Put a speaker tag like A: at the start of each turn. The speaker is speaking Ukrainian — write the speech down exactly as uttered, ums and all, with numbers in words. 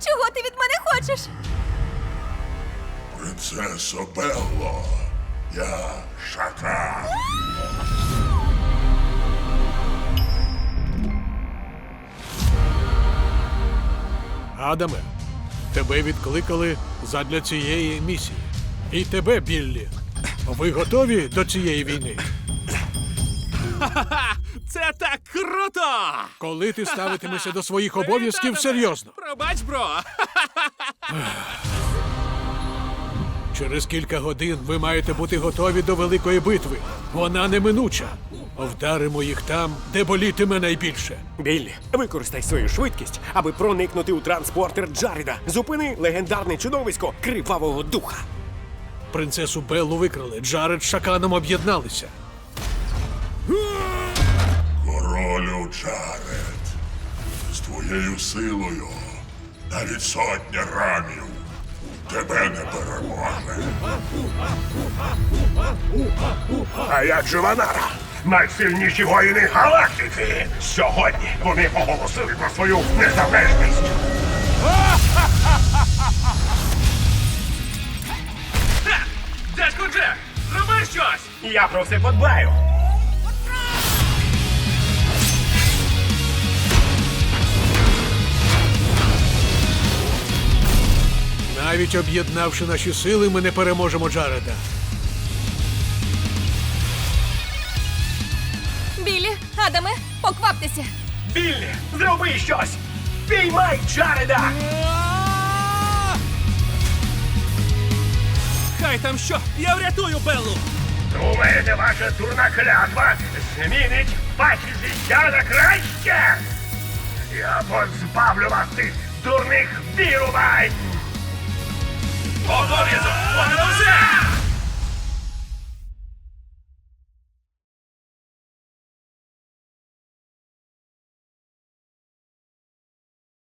A: Чого ти від мене хочеш?
B: Принцесо Белло, я Шакал.
C: Адаме, тебе відкликали задля цієї місії. І тебе, Біллі. Ви готові до цієї війни?
D: Це так круто!
C: Коли ти ставитимешся до своїх обов'язків серйозно?
D: Пробач, бро!
C: Через кілька годин ви маєте бути готові до великої битви. Вона неминуча. Вдаримо їх там, де болітиме найбільше.
E: Біллі, використай свою швидкість, аби проникнути у транспортер Джареда. Зупини легендарне чудовисько Кривавого Духа.
C: Принцесу Беллу викрали, Джаред з Шаканом об'єдналися.
B: Королю Джаред, з твоєю силою навіть сотня рамів тебе не переможе.
F: А як же Ванара? Найсильніші воїни галактики! Сьогодні вони оголосили про свою незалежність.
D: Дядько Джек, зроби щось!
F: Я про все подбаю.
C: Навіть об'єднавши наші сили, ми не переможемо Джареда.
A: Біллі, Адаме, покваптеся.
F: Біллі, зроби щось! Піймай Джареда!
D: Хай там що, я врятую Беллу!
F: Думаєте, ваша дурна клятва змінить ваші життя на краще? Я позбавлю вас тих дурних вірувань!